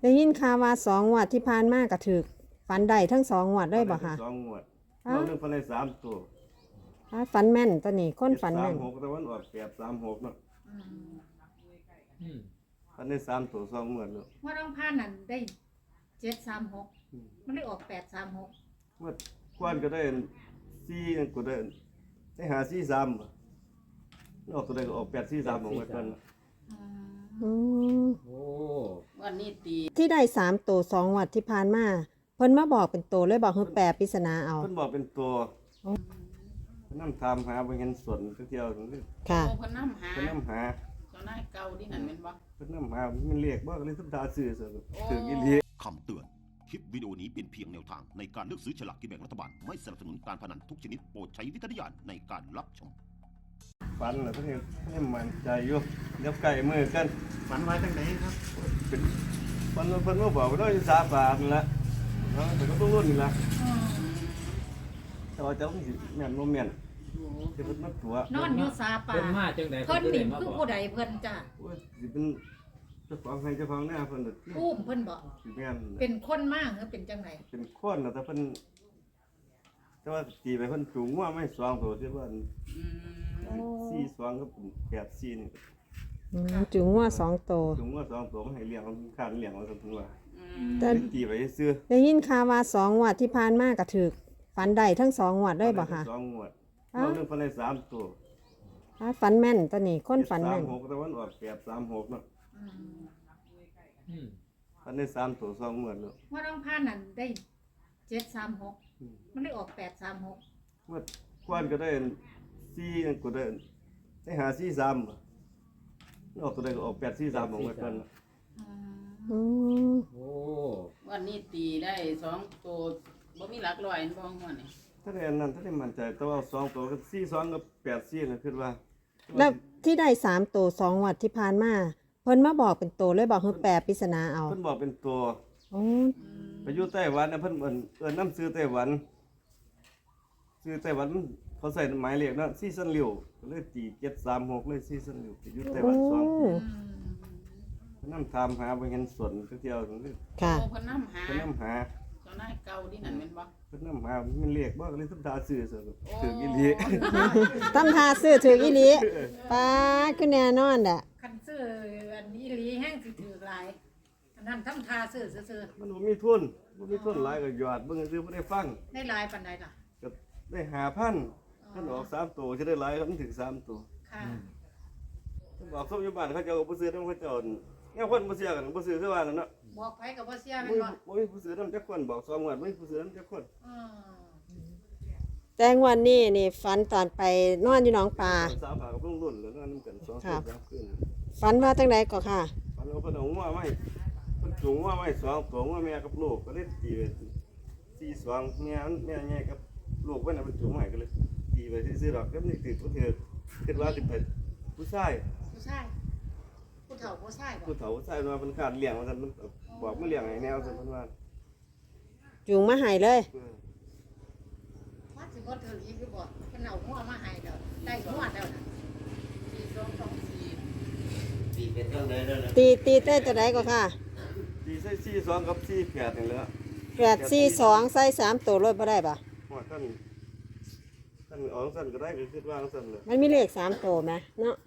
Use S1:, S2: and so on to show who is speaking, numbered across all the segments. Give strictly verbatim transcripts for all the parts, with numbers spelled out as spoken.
S1: ได้ยินข่าวว่าสองงวดที่ผ่านมาก็ถูกฝันได้ทั้งสองงวดได้บ่คะ
S2: สองงวดเราเรื่องฟันได้สามตัว
S1: อ้าฝันแม่นตัวนี้คนฝัน
S2: สา
S1: แม่
S2: ม
S1: น
S2: หกแต่วันออกแปดสามหกเนาะ
S3: อืม
S2: ฟันได้สามตัวสองงวดเนาะ
S4: ว่าต้องผ่านนั่นได้เจ็ดสามหกมันได้ออกแปดสามหก
S2: งวดกวนก็ได้สี่ก็ได้ได้หาสี่สามออกตัวใดก็ออกแปดสี่สามของวันนั้น
S1: อืม
S3: โอ้
S5: วันนี้ตี
S1: ที่ได้สามตัวสองงวดที่ผ่านมาเพิ่นมาบอกเป็นตัวเลยบอกคือแปลปริศนาเอา
S2: เพิ่นบอกเป็นตัว
S1: อ๋อ
S2: เพิ่นนำทามหาบ่เห็นส่วนเที่ยวๆเพิ่น
S1: ค่ะ
S5: โอ้เพิ่นน้ำหา
S2: นำหา
S5: เจ้านายเก่าที่นั่นแม่นบ่
S2: เพิ่นนำหามันเรียกบ่ก็เลยทุกตาซื้อซะถึงอีหลี
S6: คำเตือน คลิปวิดีโอนี้เป็นเพียงแนวทางในการเลือกซื้อฉลากกินแบ่งรัฐบาล ไม่สนับสนุนการพนันทุกชนิดโปรดใช้วิจารณญาณในการรับชม
S2: ฝันแล้วเพิ่นยังให้มั่นใจอยู่เดี๋ยวใกล้มื้อกัน
S3: ฝันไว้ตั้งไหนครับ
S2: เป็นฝันว่าเพิ่นมาบอกว่าเราอยู่สาบานนั่นล่ะเนาะแต่ก็ต้องรุ่นนี่ล่ะแต่ว่าเจ้ามันสิแม่นบ่แม่นสิเพิ่นมาตัวน
S4: อนอยู่ซาป่า
S3: เพิ่นมาจังได๋
S4: เพิ่น
S3: ก็
S4: นี่
S3: ได้มา
S4: คือ
S3: บอก
S4: ผู้ใดเพิ่นจ้ะ
S2: โอ้ยสิเป็นเจ้าของให้เจ้าของหน้าเพิ่นน่ะ
S4: อุ้มเพิ่นบอก
S2: สิแม่น
S4: เป็นคนมากหรือเป็นจังไหน
S2: เป็นคนน่ะแต่เพิ่นแต่ว่าตีไปเพิ่นสูงว่าไม่สองตัวที่ว่า
S5: อืม
S2: สี่สองก็เป็นแปดสี่นี่
S1: อืมจุงว่าสองตัว
S2: สูงว่าสองตัวมันให้เลี้ยงมันขาดเลี้ยงว่าซั่นถึงว่า
S5: อืม
S1: แต่
S2: ตีไปซื้อ
S1: ได้ยินข่าวว่าสองงวดที่ผ่านมาก็ถูกฝันได้ทั้งสองงวดได้บ่คะ
S2: สองงวด
S1: อ้า
S2: เราเรื่องฟันได้สามตัว
S1: อ้าฝันแม่นตัวนี้คนฝัน
S2: สา
S1: แม่
S2: ม
S1: น
S2: หกแต่วันออกแปดสามหกเนาะ
S3: อืม
S2: ฟันได้สามตัวสองงวดเนาะ
S4: ว่าต้องผ่านนั่นได้เจ็ดสามหกมันได้ออกแปดสามหก
S2: งวดกวนก็ได้สี่ก็ได้ได้หาสี่สามออกตัวใดก็ออกแปดสี่สามของวันนั้น
S1: อืม
S3: โอ้
S5: วันนี้ตีได้สองตัวบ่มีหลักร้อยบ่ม่วนนี่
S2: ถ้าได้อันนั้นถ้าได้มั่นใจแต่ว่าสองตัวก็สี่สองกับแปดสี่นะคิดว่า
S1: แล้วที่ได้สามตัวสองงวดที่ผ่านมาเพิ่นมาบอกเป็นตัวเลยบอกคือแปลปริศนาเอา
S2: เพิ่นบอกเป็นตัว
S1: อ๋อ
S2: ไปอยู่ไต้หวันนะเพิ่นเอิ้นเอิ้นน้ำซื้อไต้หวันซื้อไต้หวันเขาใส่หมายเลขเนาะซีซันริวก็เลยตีเจ็ดสามหกเลยซีซันริวไปอยู่ไต้ห
S1: โอ้
S2: วันสองปีเพิ่นนำทามหาบ่เห็นส่วนเที่ยวๆเพิ่นเลย
S1: ค่ะ
S5: โอ้เพิ่นน้ำหา
S2: เพิ่นนำหา
S5: เจ้านายเก่าที่นั่นแม่นบ่
S2: เพิ่นนำหามันเรียกบ่ก็เลยทุกตาซื้อซะถึงอีหลี
S1: ตำทาซื้อถืออีหลีป้าดคือแน่นอนแหละ
S4: คันซื้ออันนี้อีหลีแห้งสิถือหลายอันนั้นทำทาซื้อซื่อ
S2: มันบ่มีทุนบ่มีทุนหลายก็หยอดเบิ่งซื้อบ่ได้ฟัง
S4: ๆได้หลายปานใดล่ะ
S2: ก็ได้ห้าพันท่านออกสามตัวสิได้หลายครับมันถึงสามตัว
S4: ค่ะ
S2: บอกส้มอยู่บ้านเขาเจ้าก็บ่ซื้อนำเขาเจ้าแนวคนบ่เชื่อกันบ่ซื้อคือว่านั่นเนาะ
S4: บอกไผกับบ่เสีย
S2: บ่
S4: แม่น
S2: มี
S4: บ่
S2: บ่มีผู้ซื้อนำจักคนบอกสองงวดบ่มีผู้ซื้อนำจักคน
S4: อือ
S1: แต่งวันนี้นี่ฝันตอนไปนอนอยู่หนองปลา
S2: สาวผากับลุงรุ่นแล้วนอนนำกันสองคืนสามคืน
S1: ฝันว่าจังไดก็ค่ะ
S2: ฝันเอาเพิ่นเอางัวมาให้เพิ่นสูงงัวมาให้สองตัวงัวแม่กับลูกก็เลยตีไปสี่สองแม่มันแม่ใหญ่กับลูกเพิ่นน่ะเพิ่นสูงมาให้ก็เลยตีไปซื่อๆดอกก็นี่ถือผู้เถือคิดว่าสิเป็นผู้ชาย
S4: ผู้ชายผู้เฒ่าผู้ชายบ่
S2: ผู้เฒ่าผู้ชายว่ามันขาดเลี้ยงว่าซั่นมันบอกมาเลี้ยงให้แนวซั่นเพิ่นว่า
S1: จุงมาให้เลย
S2: เออ
S4: ว่าสิบ่ถืออีกอยู่บ่เพิ่นเอาหัวมาให้แล้วได้หัวแล้วน่ะ
S5: สี่สองสองสี่
S3: ตีเป็นจังได๋แล้วนะ
S1: ตีตีเต้จะไดก็ค่ะ
S2: ตีใส่สี่สองกับสี่แปดนี่แหละ
S1: แปดสี่สองใส่สามตัวรถบ่ได้ปะ
S2: ว่าท่านท่านเอาซั่นก็ได้ก็คิดว่าซั่นเลย
S1: มันมีเลขสามตัวไหมเนาะ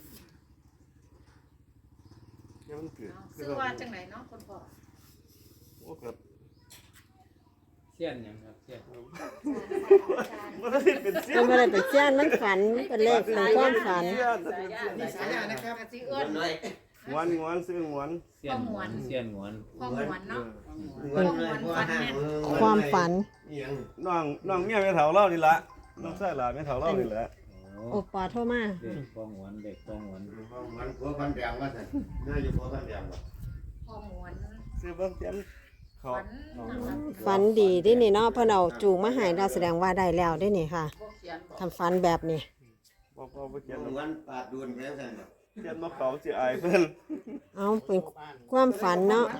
S2: ยังมันเกิด
S4: เอาซื้อว่าจังไหนเนาะคุณพ่อ
S2: โอ้ครับ
S3: เสี้ยนหยังครับเสี้ยน
S2: มันได้เป็นเสี้ย
S1: มัน นไม่ได้เป็นเจ้านมันฝันมันเป็นเลขของความฝัน
S2: เสี้ยนมันเป็นเสี้ยน
S4: มีสายานะครับสิเอิ้น
S2: งวนงวนซื้องวน
S3: เสี้ยนหวนเสี้ยนหวน
S4: พ่อหวนเนาะ
S5: อืม
S4: พ่อหวนฟันแม่น
S1: ความฝัน
S2: น้องน้องเมียแม่เฒ่าเล่านี่ละน้องชายหลานแม่เฒ่าเล่านี่แหละ
S3: โอ้
S1: โอปอโทรมา
S3: เด็กฟองหวนเด็กฟองหวน
S7: มันผัวพันแดงว่าสันน่าจะผัวพันแดงว่ะ
S4: พ่อหวน
S2: ซื้อเบิ่งเตียนเขา
S4: ฝันนะครับ
S1: ฝันดีได้นี่เนาะเพิ่นเอาจูงมาให้เราแสดงว่าได้แล้วได้นี่ค่ะ
S5: พวกเขียนบอก
S1: ทำฝันแบบนี้
S2: บ่บ่บ่เขียน
S7: วันปาดดวนแค่สันน่ะ
S2: เขียนมาเขาสิอายเพิ่น
S1: เอาเป็นความฝันเนาะ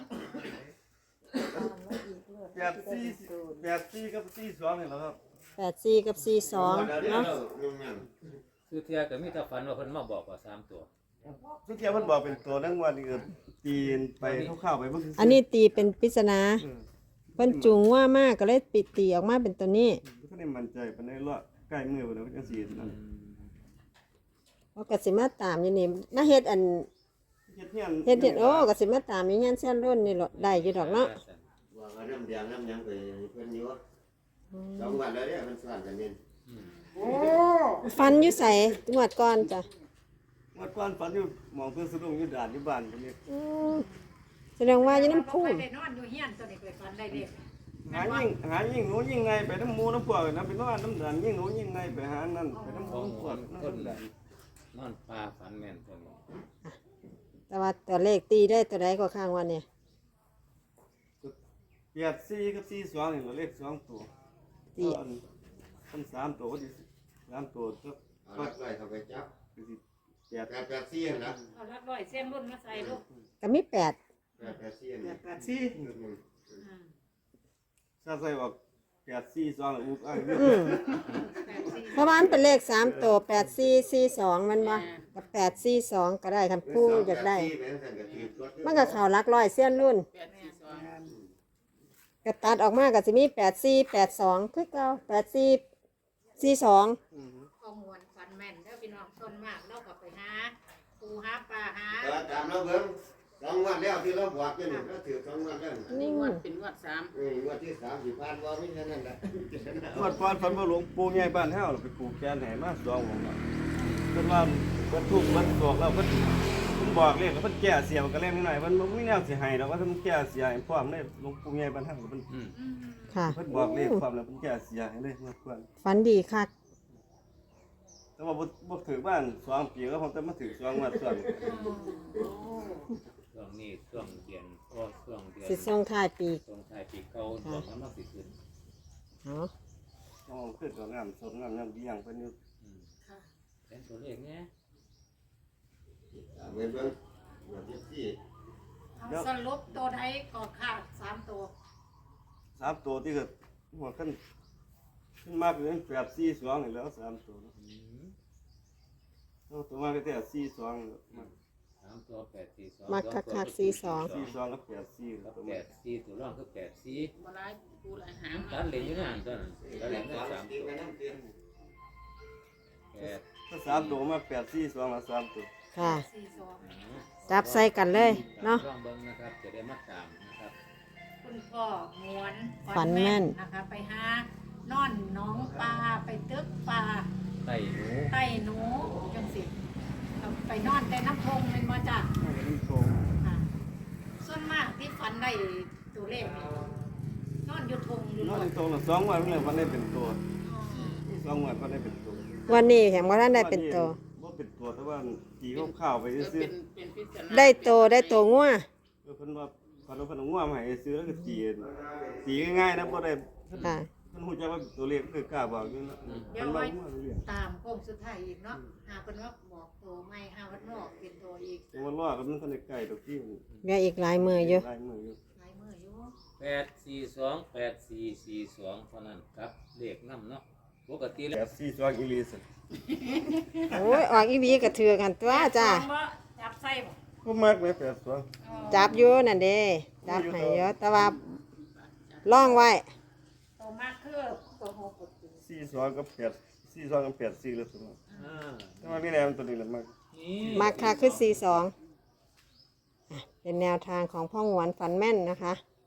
S2: แปดสี่แปดสี่กับสี่สองนี่แหละครับ
S1: แปดสี่กับสี่สอง
S7: เดี๋ยวเดี๋ยว
S1: เนาะ
S7: เดี๋ยวเดี๋ยว
S3: คือเที่ยก็มีแต่ฝันว่าเพิ่นมาบอกว่าสามตัว
S2: ทุกเที่ยวเพิ่นบอกเป็นตัวนั่งวันนี้ก็ตีนไปเข้าๆไปเบิ่งซื่ๆ
S1: อันนี้ตีเป็นปริศนา
S2: เออ
S1: เพิ่นจูงว่ามากก็เลยปิดตีออกมาเป็นตัวนี้
S2: ก็ได้มั่นใจปานใดเลาะใกล้มือเพิ่นแล้วจังซี่นั่น
S1: เพราะก็สิมาตามอยู่นี่มาเฮ็ดอัน
S2: เฮ็ดเฮียน
S1: เฮ็ดเฮ็ดโอ้ก็สิมาตามอยู่ยันเส้นรุ่นนี่หรอได้อยู่ดอกเนาะ
S7: ว่าก็น้ำแดงน้ำหยังไปเพิ่นอยู่สองวันแล้วเนี่ยมันสั่นกันนี่
S1: ฟันอยู่ใส่งวดก่อนจ้ะ
S2: เมื่อก่อนฝันอยู่หมองเพิ่นสะดุ้งอยู่ด่านอยู่บ้านเพิ่นนี่
S1: อืมแสดงว่าอยู่น้ำพูน
S4: ได้นอนอยู่เฮียนตัวนี้ไปฟันได้เด็ก
S2: หายิ่งหายิ่งหนูยิ่งไงไปน้ำหมูน้ำพวกนะไปนอนน้ำด่านยิ่งหนูยิ่งไงไปหานั่นไปน้ำหมูน้ำพวกน้ำด่าน
S3: นอนปลาฝันแม่นตัวนี้
S1: แต่ว่าตัวเลขตีได้ตัวใดก็ข้างวันเนี่ย
S2: แปดสี่กับสี่สองนี่เราเลขสองตัว
S1: ตี
S2: อันอันสามตัวก็ดีสามตัวก็
S7: เอาลักไล่เข้าไปจับ
S2: คือสิแปด
S7: แปดแปดสี่นะ
S4: เอาลักร้อยเส้นรุ่นมาใส่ลูก
S1: ก็มีแปด
S7: แปดแปดสี่นะ
S2: แปดสี่
S7: อืม
S2: ถ้าใส่ออกแปดสี่สองอุ้ยอ้าย
S1: อืมเพราะว่ามันเป็นเลขสามตัวแปดสี่สี่สองมันบ่กับแปดสี่สองก็ได้คันผู้อยากได้
S7: แปสี่แปดสี่ก็ถือตัว
S1: มันก็เข่าหลักร้อยเส้นรุ่น
S5: แปดสี่สอง
S1: ก็ตัดออกมาก็สิมีแปดสี่แปดสองคือเก่าแปดสี่สี่สอง
S4: ข้อมูลฟันแม่นเด้อพี่น้องส่วนมากเราก็ไปหาปูหาปลาหา
S7: แต่ว่าตามเราเบิ่งสองวันแล้วที่เราบอกกันนี่ก็ถือสองวันแล้ว
S5: นี่งวดเป็นงวดสาม
S7: อืมวันที่สามสิบพันว่าไม่ใช่นั่นแหละ
S2: งวดก่อนฝันว่าหลวงปู่ใหญ่บ้านเฮาไปปลูกแกนให้มาสองวงแล้วเพิ่นว่าเพิ่นทุกข์เพิ่นโศกแล้วเพิ่นเพิ่นบอกเลขแล้วเพิ่นแก้เสียมันก็เล่นนิดหน่อยเพิ่นบ่มีแนวสิให้ดอกว่าเพิ่นแก้เสียให้พร้อมเลยหลวงปู่ใหญ่บ้านเฮาเพิ่น
S3: อืม
S1: ค่ะ
S2: เพิ่นบอกเลขพร้อมแล้วเพิ่นแก้เสียให้เลยงวดก่อน
S1: ฝันดีคัก
S2: แต่ว่าบ่บ่ถือบ้านสองปีก็ผมแต่มาถือสองงวดส่วน
S3: ช่วงนี้ช่วงเดือนก็ช่วงเดือน
S1: สิส่งท้ายปี
S3: ช่วงท้ายปีเก่าช่วงนั้นมาสิขึ้น
S1: เนาะ
S2: อ๋อขึ้นก็งามสดงามงามเบี้ยงเพิ่นอยู่
S3: อืมเป็นตัวเลขเนี้ย
S7: เบิ่งเบิ่งวันที่สี่
S4: เอาสรุปตัวใดก็ขาดสามตัว
S2: สามตัวที่ก็หัวขึ้นขึ้นมากเลยแปดสี่สองนี่แล้วสามตัวเนาะ
S3: อืม
S2: เอาตัวมากก็แต่สี่สองมา
S3: สามตัวแปดสี่สอง
S1: มักคักคักสี่สอง
S2: สี่สองกับแปดสี่
S3: กับ
S2: ตัว
S3: แป
S2: มา
S3: ดสี่ตัวร่องคือแปดสี่
S5: บ่หลายกูหลายหาง
S3: ตัดเหรียญอยู่ในห่างตัวนั้นตัดเหรียญได้สาม
S7: ตี
S3: ตัว
S7: ไปน้ำเตียน
S3: แปด
S2: ถ้าสามตัวมาแปดสี่สองละสามตัว
S1: ค่ะ
S4: สี่สอง
S1: จับใส่กันเลยเนาะ
S3: ลองเบิ่งนะครับจะได้มาตามนะครับ
S4: คุณพ่อมวน
S1: ฝันแม่น
S4: นะคะไปหานอนหน้องปลาไปตึกปลา
S3: ไต่หนู
S4: ใต้หนูจังสิเอาไปนอนแต่น้ำพงเป็นมาจ้ะ
S2: เอาไปน้ำโชว์
S4: ค่ะส่วนมากที่ฝันได้ตัวเลขนี่นอนอยู่ทงอยู่
S2: น
S4: ร
S2: อน
S4: ถ
S2: ในโรงละสองวันเพิ่นเลยวันได้เป็นตัวสองวันวันได้เป็นตัว
S1: วันนี้แห่งว่าท่านได้เป็นตัว
S2: บ่เป็นตัวแต่ว่าตีข้าวๆไป
S5: เออ
S2: ซื้อ
S5: เป็นเป็นพิจารณา
S1: ได้โตได้โตงัว
S2: ๆเออเพิ่นว่าเพิ่นเอาเพิ่นเอาง่วมาให้ซื้อแล้วก็ตีตีง่ายๆนะบ่ได้
S1: ค่ะ
S2: เพิ่นฮู้จักว่าตัวเลขคือกล้าบอกอยู่นะ
S4: เดี๋
S2: เพิ่
S4: ยวน
S2: ว่า
S4: ไว้
S2: ง่วเรื่อย
S4: ตามโค้งสุดท้ายอีกเนาะหาเป็นว่าบอกตัวไม่หาวันนอกเป็นตัวอีก
S2: จังว่ารอกันมันทันได้ใกล้ดอกที่มัน
S1: เหลืออีกหลายมืออยู่
S2: ลายมืออยู่
S4: หลายมืออยู่
S3: แปดสี่สองแปดสี่สี่สองเท่านั้นครับเลขน้ำเนาะปกติแล้ว
S2: แปดสี่สองอีหลีสิ
S1: โอ้ยออกอีวีกระเทือกันตัวจ้า
S4: จับใส่บ่
S2: บ่มักเลยแปดสอง
S1: จับอยู่นั่นเด้จับให้เยอะแต่ว่าล่องไว้
S4: ตัวมากคือตัวหก
S2: สี่สองกับแปดสี่สองกับแปดสี่เลยสมมุติ
S3: อ่า
S2: แต่ว่านี่แหละมันตัวนี้แหละมัก
S3: นี่
S1: มาค่ะคือสี่สองเป็นแนวทางของพ่อหวนฝันแม่นนะคะ